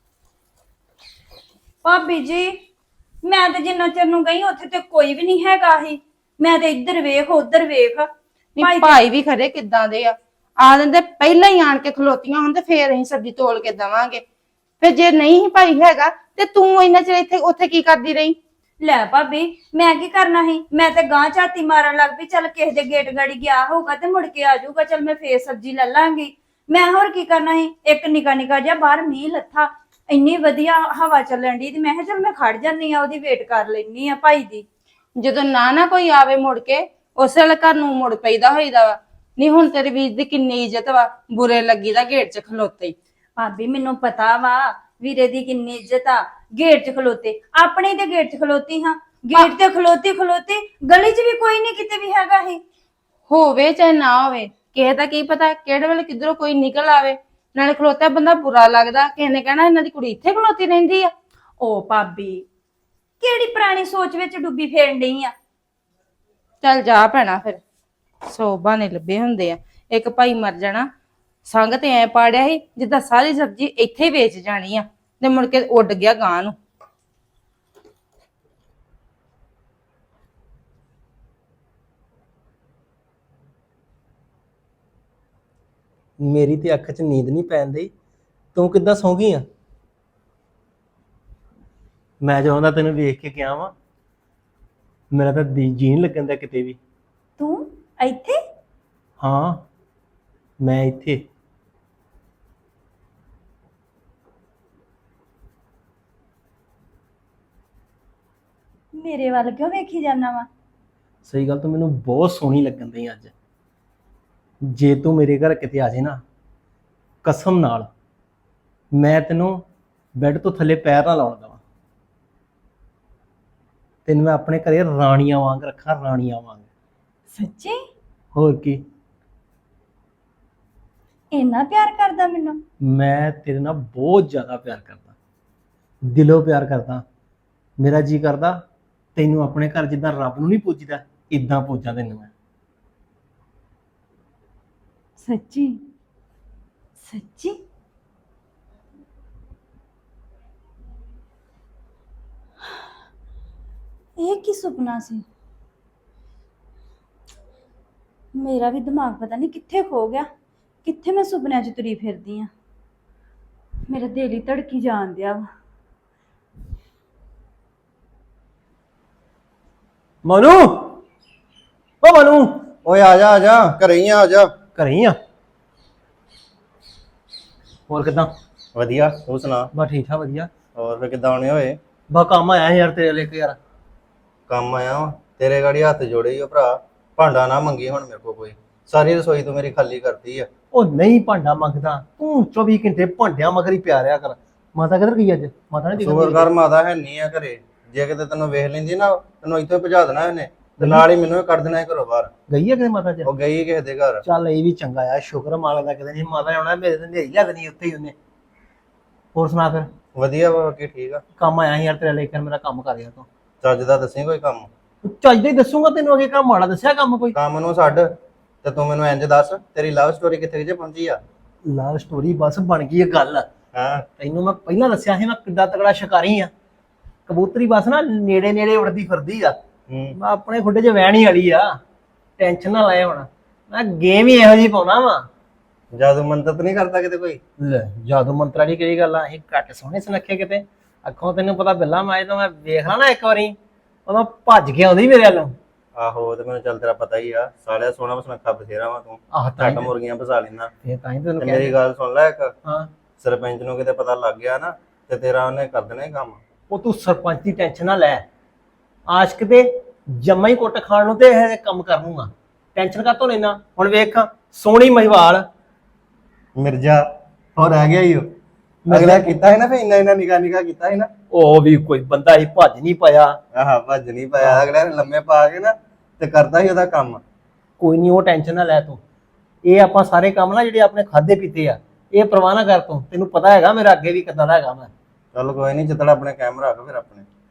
C: ਭਾਬੀ ਜੀ, ਮੈਂ ਤੇ ਜਿੰਨਾ ਚਿਰ ਨੂੰ ਗਈ ਉੱਥੇ ਤੇ ਕੋਈ ਵੀ ਨਹੀਂ ਹੈਗਾ ਸੀ। ਮੈਂ ਤੇ ਇੱਧਰ ਵੇਖ ਉੱਧਰ ਵੇਖ।
D: ਨਹੀਂ ਭਾਈ ਵੀ ਖਰੇ ਕਿੱਦਾਂ ਦੇ ਆ ਦਿੰਦੇ ਪਹਿਲਾਂ ਹੀ ਆਣ ਕੇ ਖਲੋਤੀਆਂ ਹੁਣ ਤੇ ਫੇਰ ਅਸੀਂ ਸਬਜ਼ੀ ਤੋਲ ਕੇ ਦਵਾਂਗੇ। ਫਿਰ ਜੇ ਨਹੀਂ ਹੀ ਭਾਈ ਹੈਗਾ ਤੇ ਤੂੰ ਇੰਨਾ ਚਿਰ ਇੱਥੇ ਉੱਥੇ ਕੀ ਕਰਦੀ ਰਹੀ?
C: ਲੈ ਭਾਬੀ, ਮੈਂ ਕੀ ਕਰਨਾ ਸੀ? ਮੈਂ ਤੇ ਗਾਂ ਝਾਤੀ ਮਾਰਨ ਲੱਗ ਪਈ, ਚੱਲ ਕਿਸੇ ਦੇ ਗੇਟ ਗਾੜੀ ਗਿਆ ਹੋਊਗਾ ਤੇ ਮੁੜ ਕੇ ਆ ਜਾਊਗਾ, ਚੱਲ ਮੈਂ ਫੇਰ ਸਬਜ਼ੀ ਲੈ ਲਾਂਗੀ। ਮੈਂ ਹੋਰ ਕੀ ਕਰਨਾ ਸੀ? ਇੱਕ ਨਿੱਕਾ ਨਿੱਕਾ ਜਿਹਾ ਬਾਹਰ ਮੀਂਹ ਲੱਥਾ, ਇੰਨੀ ਵਧੀਆ ਹਵਾ ਚੱਲਣ ਦੀ, ਤੇ ਮੈਂ ਕਿਹਾ ਚੱਲ ਮੈਂ ਖੜ ਜਾਂਦੀ ਆ, ਉਹਦੀ ਵੇਟ ਕਰ ਲੈਣੀ ਆ ਭਾਈ ਦੀ।
D: ਜਦੋਂ ਨਾ ਕੋਈ ਆਵੇ ਮੁੜ ਕੇ ਉਸੇ ਵੇਲੇ ਘਰ ਨੂੰ ਮੁੜ ਪਈਦਾ ਹੋਈਦਾ ਵਾ। ਨਹੀਂ ਹੁਣ ਤੇਰੇ ਵੀਰ ਦੀ ਕਿੰਨੀ ਇੱਜ਼ਤ ਵਾ, ਬੁਰੇ ਲੱਗੀ ਦਾ ਗੇਟ 'ਚ ਖਲੋਤੇ ਹੀ।
C: ਭਾਬੀ ਮੈਨੂੰ ਪਤਾ ਵਾ ਵੀਰੇ ਦੀ ਕਿੰਨੀ ਇੱਜ਼ਤ ਆ, ਗੇਟ 'ਚ ਖਲੋਤੇ। ਆਪਣੇ ਤੇ ਗੇਟ 'ਚ ਖਲੋਤੀ ਹਾਂ, ਗੇਟ ਤੇ ਖਲੋਤੀ ਗਲੀ 'ਚ ਵੀ ਕੋਈ ਨਹੀਂ ਕਿਤੇ ਵੀ ਹੈਗਾ ਹੀ।
D: ਹੋਵੇ ਚਾਹੇ ਨਾ ਹੋਵੇ, ਕਿਸੇ ਦਾ ਕੀ ਪਤਾ ਕਿਹੜੇ ਵੇਲੇ ਕਿੱਧਰੋਂ ਕੋਈ ਨਿਕਲ ਆਵੇ। ਨਾਲੇ ਖਲੋਤਾ ਬੰਦਾ ਬੁਰਾ ਲੱਗਦਾ, ਕਿਸੇ ਨੇ ਕਹਿਣਾ ਇਹਨਾਂ ਦੀ ਕੁੜੀ ਇੱਥੇ ਖਲੋਤੀ ਰਹਿੰਦੀ ਆ।
C: ਓ ਭਾਬੀ, ਕਿਹੜੀ ਪੁਰਾਣੀ ਸੋਚ ਵਿੱਚ ਡੁੱਬੀ ਫੇਰਨ ਡਈ ਆ?
D: ਚੱਲ ਜਾ ਭੈਣਾ, ਫਿਰ 100 ਬਹਾਨੇ ਲੱਭੇ ਹੁੰਦੇ ਆ। ਇੱਕ ਭਾਈ ਮਰ ਜਾਣਾ, ਸੰਗ ਤੇ ਐ ਪਾੜਿਆ ਸੀ ਜਿੱਦਾਂ ਸਾਰੀ ਸਬਜ਼ੀ ਇੱਥੇ ਹੀ ਵੇਚ ਜਾਣੀ ਆ, ਤੇ ਮੁੜ ਕੇ ਉੱਡ ਗਿਆ ਗਾਂ ਨੂੰ।
A: ਮੇਰੀ ਤੇ ਅੱਖ 'ਚ ਨੀਂਦ ਨਹੀਂ ਪੈਂਦੀ, ਤੂੰ ਕਿੱਦਾਂ ਸੌਂ ਗਈ ਆ? ਮੈਂ ਜਦੋਂ ਦਾ ਤੈਨੂੰ ਵੇਖ ਕੇ ਗਿਆ ਵਾਂ, ਮੇਰਾ ਤਾਂ ਜੀਣ ਲੱਗਣ ਦਾ ਕਿਤੇ ਵੀ।
C: ਤੂੰ ਇੱਥੇ?
A: ਹਾਂ ਮੈਂ ਇੱਥੇ।
C: ਮੇਰੇ ਵੱਲ ਕਿਉਂ ਵੇਖੀ ਜਾਂਦਾ ਵਾ?
A: ਸਹੀ ਗੱਲ, ਤੂੰ ਮੈਨੂੰ ਬਹੁਤ ਸੋਹਣੀ ਲੱਗਣ ਦਈ ਅੱਜ। ਜੇ ਤੂੰ ਮੇਰੇ ਘਰ ਕਿਤੇ ਆ ਜੇ ਨਾ, ਕਸਮ ਨਾਲ ਮੈਂ ਤੈਨੂੰ ਬੈੱਡ ਤੋਂ ਥੱਲੇ ਪੈਰ ਨਾ ਲਾਉਣ ਦੇਵਾਂ। ਤੈਨੂੰ ਮੈਂ ਆਪਣੇ ਘਰੇ ਰਾਣੀਆਂ ਵਾਂਗ ਰੱਖਾਂ, ਰਾਣੀਆਂ ਵਾਂਗ।
C: ਸੱਚੀ?
A: ਹੋਰ ਕੀ,
C: ਇੰਨਾ ਪਿਆਰ ਕਰਦਾ ਮੈਨੂੰ?
A: ਮੈਂ ਤੇਰੇ ਨਾਲ ਬਹੁਤ ਜ਼ਿਆਦਾ ਪਿਆਰ ਕਰਦਾ, ਦਿਲੋਂ ਪਿਆਰ ਕਰਦਾ। ਮੇਰਾ ਜੀ ਕਰਦਾ ਤੈਨੂੰ ਆਪਣੇ ਘਰ ਜਿੱਦਾਂ ਰੱਬ ਨੂੰ ਨਹੀਂ ਪੂਜੀਦਾ, ਇਦਾਂ ਪੂਜਾਂ ਤੈਨੂੰ ਮੈਂ।
C: ਸੱਚੀ? ਸੱਚੀ? ਇਹ ਕੀ ਸੁਪਨਾ ਸੀ? ਮੇਰਾ ਵੀ ਦਿਮਾਗ ਪਤਾ ਨਹੀਂ ਕਿੱਥੇ ਖੋ ਗਿਆ, ਕਿੱਥੇ ਮੈਂ ਸੁਪਨਿਆਂ 'ਚ ਤੁਰੀ ਫਿਰਦੀ ਆ। ਮੇਰਾ ਦਿਲ ਹੀ ਧੜਕੀ ਜਾਣ ਦਿਆ ਵਾ।
A: ਮਨੂ, ਓ ਮਨੂ,
F: ਓਏ ਆ ਜਾ ਘਰੇ ਹੀ ਆ ਜਾ।
A: ਘਰੇ ਹੀ ਆ? ਹੋਰ ਕਿਦਾਂ?
F: ਵਧੀਆ, ਤੂੰ ਸੁਣਾ?
A: ਬਸ ਠੀਕ ਠਾਕ, ਵਧੀਆ।
F: ਹੋਰ ਫੇ ਕਿੱਦਾਂ ਆਉਣੇ ਹੋਏ?
A: ਬਾ ਕੰਮ ਆਇਆ ਸੀ ਯਾਰ ਤੇਰੇ ਲਈ ਯਾਰ।
F: ਕੰਮ ਆਇਆ ਵਾਂ, ਤੇਰੇ ਗਾੜੀ ਹੱਥ ਜੋੜੇ ਈ ਓ ਭਰਾ। ਭਾਂਡਾ ਨਾ ਮੰਗੀ ਹੁਣ ਮੇਰੇ ਕੋਲ ਕੋਈ, ਸਾਰੀ ਰਸੋਈ ਤੂੰ ਮੇਰੀ ਖਾਲੀ ਕਰਤੀ ਆ।
A: ਉਹ ਨਹੀਂ ਭਾਂਡਾ ਮੰਗਦਾ, ਤੂੰ 24 ਘੰਟੇ ਭਾਂਡਿਆਂ ਮਗਰ ਹੀ ਪਿਆ ਰਿਹਾ ਕਰ। ਮਾਤਾ ਕਿੱਧਰ ਗਈ ਅੱਜ? ਮਾਤਾ ਨੇ
F: ਸ਼ੁਕਰ ਕਰ ਮਾਤਾ ਹੈ ਨਹੀਂ ਆ ਘਰੇ, ਜੇ ਕਿਤੇ ਤੈਨੂੰ ਵੇਖ ਲੈਂਦੀ ਨਾ ਤੈਨੂੰ ਇੱਥੋਂ ਹੀ ਭਜਾ ਦੇਣਾ ਇਹਨੇ, ਤੇ ਨਾਲ ਹੀ ਮੈਨੂੰ ਵੀ ਕੱਢ ਦੇਣਾ ਘਰੋਂ ਬਾਹਰ।
A: ਗਈ ਹੈ ਕਿਤੇ ਮਾਤਾ ਚ?
F: ਉਹ ਗਈ ਕਿਸੇ ਦੇ ਘਰ।
A: ਚੱਲ ਇਹ ਵੀ ਚੰਗਾ ਆ, ਸ਼ੁਕਰ ਮਾਲਾ ਦਾ। ਕਿਤੇ ਨਹੀਂ ਮਾਤਾ ਨੇ ਆਉਣਾ, ਮੇਰੇ ਤੇ ਨੇਰੀ ਲਿਆ ਦੇਣੀ ਉੱਥੇ ਹੀ ਉਹਨੇ। ਹੋਰ ਸੁਣਾ ਫਿਰ?
F: ਵਧੀਆ ਵਾ, ਬਾਕੀ ਠੀਕ ਆ।
A: ਕੰਮ ਆਇਆ ਸੀ ਯਾਰ ਤੇਰੇ ਲਈ, ਮੇਰਾ ਕੰਮ ਕਰ ਗਿਆ ਤੂੰ।
F: ਚੱਜ ਦਾ ਦੱਸੀ ਕੋਈ ਕੰਮ।
A: ਚੱਜ ਦਾ ਹੀ ਦੱਸੂਗਾ ਤੈਨੂੰ, ਅੱਗੇ ਕੰਮ ਮਾੜਾ ਦੱਸਿਆ ਕੰਮ ਕੋਈ?
F: ਕੰਮ ਨੂੰ ਛੱਡ ਤੇ ਤੂੰ ਮੈਨੂੰ ਇੰਜ ਦੱਸ, ਤੇਰੀ ਲਵ ਸਟੋਰੀ ਕਿੱਥੇ ਜੇ ਪਹੁੰਚੀ ਆ?
A: ਲਵ ਸਟੋਰੀ ਬਸ ਬਣ ਗਈ ਇਹ ਗੱਲ।
F: ਹਾਂ,
A: ਤੈਨੂੰ ਮੈਂ ਪਹਿਲਾਂ ਦੱਸਿਆ ਸੀ ਮੈਂ ਕਿੱਡਾ ਤਗੜਾ ਸ਼ਿਕਾਰੀ ਆ। ਕਬੂਤਰੀ ਬਸ ਨਾ ਨੇੜੇ ਨੇੜੇ ਉੜਦੀ ਫਿਰਦੀ ਆ। ਮੈਂ ਆਪਣੇ ਖੁੱਡੇ 'ਚ ਵਹਿਣ ਹੀ ਵਾਲੀ ਆ, ਟੈਨਸ਼ਨ ਨਾ ਲੈ। ਹੁਣ ਮੈਂ ਗੇਮ ਹੀ ਇਹੋ ਜਿਹੀ ਪਾਉਣਾ ਵਾ।
F: ਜਾਦੂ ਮੰਤਰ ਤਾਂ ਨਹੀਂ ਕਰਦਾ ਕਿਤੇ ਕੋਈ?
A: ਲੈ ਜਾਦੂ ਮੰਤਰਾਂ ਦੀ ਕਿਹੜੀ ਗੱਲ ਆ? ਅਸੀਂ ਘੱਟ ਸੋਹਣੇ ਸੁਨੱਖੇ ਕਿਤੇ? ਅੱਖੋਂ ਤੈਨੂੰ ਪਤਾ ਬਿੱਲਾ ਮਾਏ ਤਾਂ ਮੈਂ ਵੇਖ ਲਾ ਨਾ ਇੱਕ ਵਾਰੀ, ਉਦੋਂ ਭੱਜ ਕੇ ਆਉਂਦੀ ਮੇਰੇ ਵੱਲੋਂ।
F: ਆਹੋ, ਤੇ ਮੈਨੂੰ ਚੱਲ ਤੇਰਾ ਪਤਾ ਹੀ ਆ, ਸਾਲਿਆ ਸੋਹਣਾ ਸੁਨੱਖਾ ਬਥੇਰਾ ਵਾ ਤੂੰ।
A: ਆਹ ਤਾਂ
F: ਘੱਟ ਮੁਰਗੀਆਂ ਫਸਾ ਲੈਂਦਾ।
A: ਇਹ ਤਾਂ ਹੀ ਤੈਨੂੰ
F: ਤੇ
A: ਕਹਿ
F: ਮੇਰੀ ਗੱਲ ਸੁਣ ਲੈ ਇੱਕ,
A: ਹਾਂ।
F: ਸਰਪੰਚ ਨੂੰ ਕਿਤੇ ਪਤਾ ਲੱਗ ਗਿਆ ਨਾ ਤੇ ਤੇਰਾ ਉਹਨੇ ਕਰ ਦੇਣਾ ਹੀ ਕੰਮ।
A: ਉਹ ਤੂੰ ਸਰਪੰਚ ਦੀ ਟੈਨਸ਼ਨ ਨਾ ਲੈ, ਆਸ਼ਕ ਦੇ ਜੰਮਾ ਹੀ ਕੁੱਟ ਖਾਣ ਨੂੰ ਤੇ ਇਹ ਕੰਮ ਕਰ ਲੂੰਗਾ। ਟੈਨਸ਼ਨ ਕਾਹਤੋਂ ਲੈਣਾ? ਹੁਣ ਵੇਖ ਸੋਹਣੀ ਮਹਿਵਾਲ
F: ਮਿਰਜ਼ਾ ਹੋਰ ਰਹਿ ਗਿਆ ਹੀ ਉਹ। ਅਗਲਾ ਕੀਤਾ ਹੈ ਨਾ ਫੇ ਇੰਨਾ ਨਿਕਾ ਕੀਤਾ ਹੈ ਨਾ।
A: ਉਹ ਵੀ ਕੋਈ ਬੰਦਾ ਹੀ ਭੱਜ ਨਹੀਂ ਪਾਇਆ।
F: ਆਹ ਭੱਜ ਨਹੀਂ ਪਾਇਆ, ਅਗਲੇ ਨੇ ਲੰਮੇ ਪਾ ਕੇ ਨਾ ਤੇ ਕਰਦਾ ਹੀ ਉਹਦਾ ਕੰਮ।
A: ਕੋਈ ਨਹੀਂ, ਉਹ ਟੈਨਸ਼ਨ ਨਾ ਲੈ ਤੂੰ। ਇਹ ਆਪਾਂ ਸਾਰੇ ਕੰਮ ਨਾ ਜਿਹੜੇ ਆਪਣੇ ਖਾਦੇ ਪੀਤੇ ਆ, ਇਹ ਪਰਵਾਹ ਨਾ ਕਰ ਤੂੰ। ਤੈਨੂੰ ਪਤਾ ਹੈਗਾ ਮੇਰਾ ਅੱਗੇ ਵੀ ਕਿੱਦਾਂ ਦਾ ਹੈਗਾ ਮੈਂ।
F: ਚੱਲ ਕੋਈ ਨਹੀਂ, ਜਿੱਦਣ ਆਪਣੇ ਕੈਮਰਾ ਰੱਖ ਫਿਰ ਆਪਣੇ।